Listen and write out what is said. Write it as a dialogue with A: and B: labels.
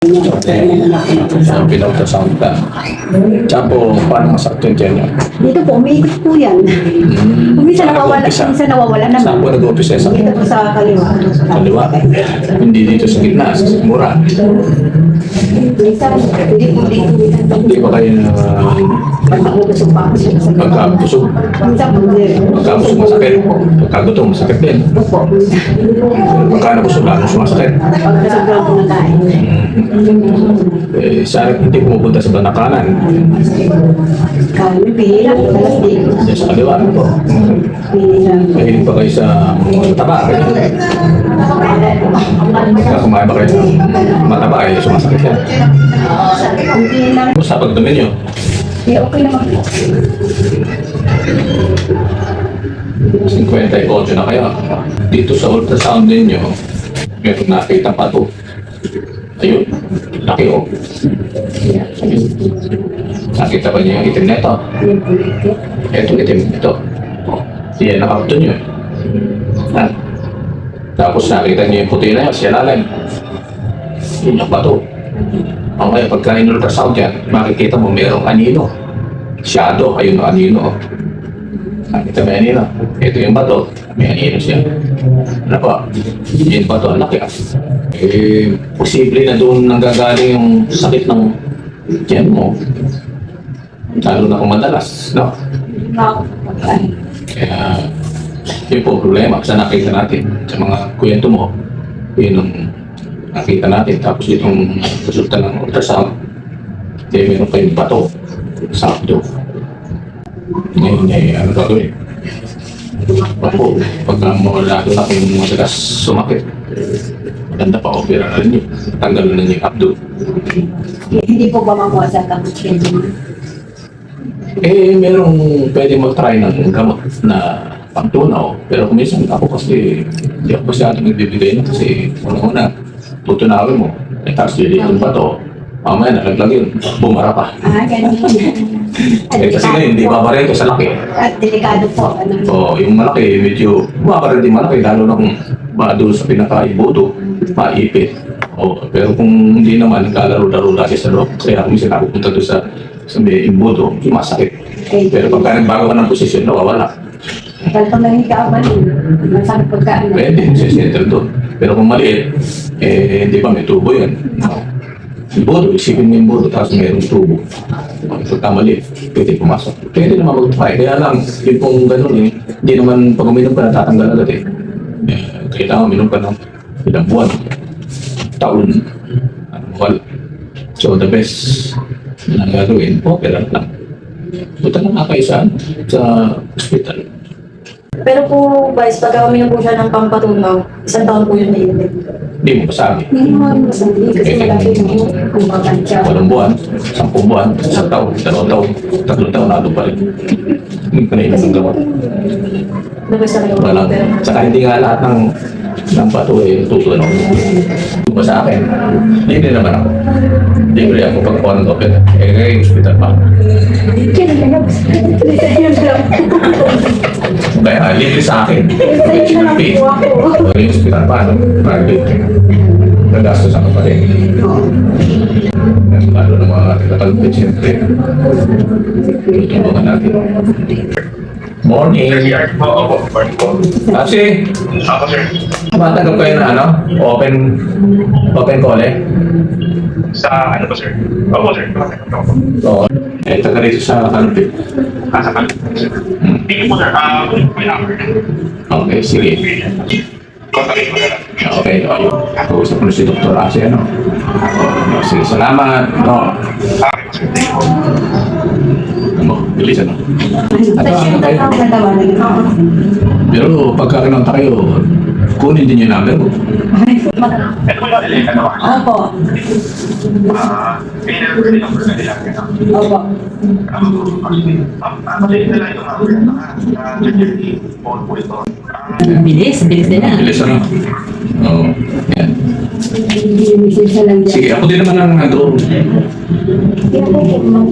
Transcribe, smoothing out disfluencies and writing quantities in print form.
A: So, pinultrasound ka. Tsaka po, paano masakit yung tiyan niyo?
B: Dito po, umiikot po yan. Minsan nawawala, minsan nawawala naman.
A: Saan po nag-umpisa? Sa
B: Dito po sa kaliwa.
A: kaliwa? Hindi dito sa gitna, sa mura.
B: Minsan, hindi po dito.
A: Hindi ba kayo na
B: Pag naubusog pa ako siya sa kaliwa.
A: magkabusog?
B: Minsan po,
A: Magkabusog masakit. Pagkagutom masakit din.
B: Opo.
A: Pagka nabusog lalo sumasakit.
B: Pag nasobrang po nakain.
A: Sana hindi pumupunta sa banakanan.
B: Kami, pihila. Talas dito.
A: Diyan sa kaliwa. Ano po?
B: Pihila.
A: Mahilig pa kayo sa mataba. Kaya kumain ba kayo ng mataba ay sumasakit yan.
B: Hindi lang.
A: Kumusta pagdumi niyo?
B: Eh, okay naman po.
A: 58 na kayo. Dito sa ultrasound ninyo, meron nakita pa to. Ayun, laki o. Nakita ba niyo yung itim na ito?
B: Yung pulitit.
A: Ito, itim ito. Yan, nakapto niyo. Ha? Tapos nakita niyo yung puti na yun, siya lalim. Yun yung bato. Okay, pagka in-ultrasound yan, makikita mo merong anino. Shadow, ayun ang anino. Nakita mo yung anino. Ito yung bato, may anino siya. Ano pa? Yung bato, ang laki ah. Posible na doon nanggagaling yung sakit ng tiyan mo. Lalo na kung madalas, no? Kaya, yun po problema sa nakita natin. Sa mga kwento mo, yun ang nakita natin. Tapos itong resulta ng ultrasound, meron kayong bato sa abdo. Ngayon, ano gagawin? Opo, pagka mawala doon na kung madalas sumakit, maganda pa opera na rin yun. Tanggal na yung abdo.
B: Hindi po ba mamuwasan ang schedule?
A: Merong pwede mag-try ng gamot na pangtunaw. Pero kung minsan ako kasi, hindi ako masyado nagbibigay na kasi una-una, tutunawin mo. Tapos dito pa to, mamaya nalaglag yun, bumara pa.
B: Ganun.
A: Kasi ngayon, hindi babara ito sa laki.
B: At delikado po.
A: So, yung malaki, medyo babara din malaki, lalo na kung doon sa pinaka-ibuto, maipit. Pero kung hindi naman, naglalaro-laro lagi sa loob. Kaya kung minsan napupunta doon sa may ibuto, masakit. Pero pagka nagbago ka ng posisyon, nawawala.
B: Kaya pag nangiga ka rin, masakit pagkaan.
A: Pwede, settle doon. Pero kung maliit, hindi ba may tubo yan? Ibuto, isipin mo yung buto, tapos mayroong tubo. Pagka maliit, pwede pumasok. Pwede naman mag-try. Kaya lang, yung pong ganun hindi naman pag uminom ka natatanggal agad eh. Kailangan uminom ka ng ilang buwan, taon, wala. So the best na gagawin, opera lang. Punta na nga kayo sa hospital.
C: Pero po, guys, pag uminom po siya ng pampatunaw, 1 taon po yun na inulit.
A: Hindi mo pasabi.
B: Hindi mo masabi kasi malaki yung kumakansya.
A: 8 buwan, 10 buwan, 1 taon, 2 taon, 3 taon, nalo pa rin. Hindi ka na inom ng gamot.
C: Nabas na kayo.
A: Walang, saka hindi nga lahat ng bato tutunaw. Kung sa akin, hindi naman ako. Hindi ko rin ako pagkuhan ng opera. Ngayon, hospital pa. Kaya libre sa akin. Which will pay. Yung hospital pa, private. Nagastos ako pa rin. Lalo ng mga tagalpit, siyempre. Tutulungan natin. Morning.
D: Opo, morning po.
A: Kasi,
D: Ako, sir.
A: tumatanggap kayo na open call eh.
D: Sa ano po, sir? Opo, sir. Opo.
A: Oo. Taga rito sa Kalupit.
D: Sa kan? Hindi po, sir. Kunin po yung number.
A: Okay, sige.
D: Kontakin mo na lang.
A: Okay, ayun. Kausap ko na si Dr. Asi, ano? Sige, salamat. No.
D: Okay po, sir. Thank you.
A: Bilisan, no?
B: Ano kayo?
A: Pero pagka kinonta kayo, kunin din yung number ko.
D: Ito po yung nalilita na
B: Opo.
D: Kailangan din ang number nila.
B: Opo.
D: Maliit na lang ito, security phone po ito.
E: Bilis nila.
A: Bilisan, no? Oo. Yan.
B: Hindi lang
A: Sige, ako din naman ang nag-room.
B: Kaya po,